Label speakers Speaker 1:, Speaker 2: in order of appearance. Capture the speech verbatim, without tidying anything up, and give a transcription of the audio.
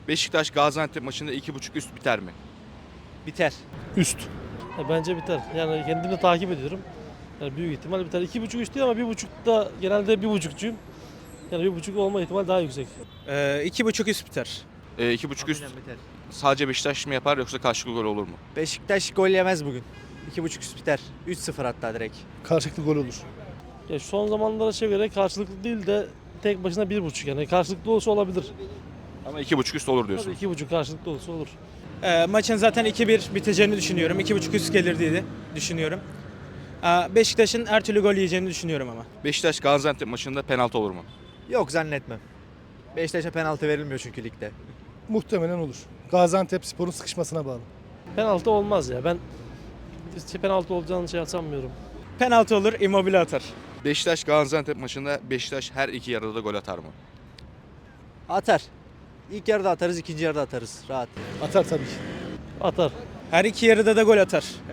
Speaker 1: Beşiktaş Gaziantep maçında iki buçuk üst biter mi?
Speaker 2: Biter.
Speaker 3: Üst.
Speaker 4: Ya bence biter. Yani kendimi takip ediyorum. Yani büyük ihtimal biter. İki buçuk üç değil ama bir buçuk da genelde bir buçukçuyum. Yani bir buçuk olma ihtimali daha yüksek.
Speaker 2: Ee, iki buçuk üst biter.
Speaker 1: E, iki buçuk üst
Speaker 5: Biter.
Speaker 1: sadece Beşiktaş mı yapar yoksa karşılıklı gol olur mu?
Speaker 5: Beşiktaş gol yemez bugün. iki buçuk üst biter. üç sıfır hatta direkt.
Speaker 3: Karşılıklı gol olur.
Speaker 4: Ya şu son zamanlara göre karşılıklı değil de tek başına bir buçuk yani karşılıklı olsa olabilir.
Speaker 1: Ama iki buçuk üst olur
Speaker 4: Tabii
Speaker 1: diyorsun.
Speaker 4: iki buçuk karşılıklı olsa olur.
Speaker 2: Ee, maçın zaten iki bir biteceğini düşünüyorum. iki buçuk üst gelir diye düşünüyorum. Ee, Beşiktaş'ın her türlü gol yiyeceğini düşünüyorum ama.
Speaker 1: Beşiktaş Gaziantep maçında penaltı olur mu?
Speaker 5: Yok zannetmem. Beşiktaş'a penaltı verilmiyor çünkü ligde.
Speaker 3: Muhtemelen olur. Gaziantepspor'un sıkışmasına bağlı.
Speaker 4: Penaltı olmaz ya. Ben hiç penaltı olacağını şey sanmıyorum.
Speaker 2: Penaltı olur, Immobile atar.
Speaker 1: Beşiktaş Gaziantep maçında Beşiktaş her iki yarıda da gol atar mı?
Speaker 5: Atar. İlk yarıda atarız, ikinci yarıda atarız. Rahat.
Speaker 3: Atar tabii ki.
Speaker 4: Atar.
Speaker 2: Her iki yarıda da gol atar.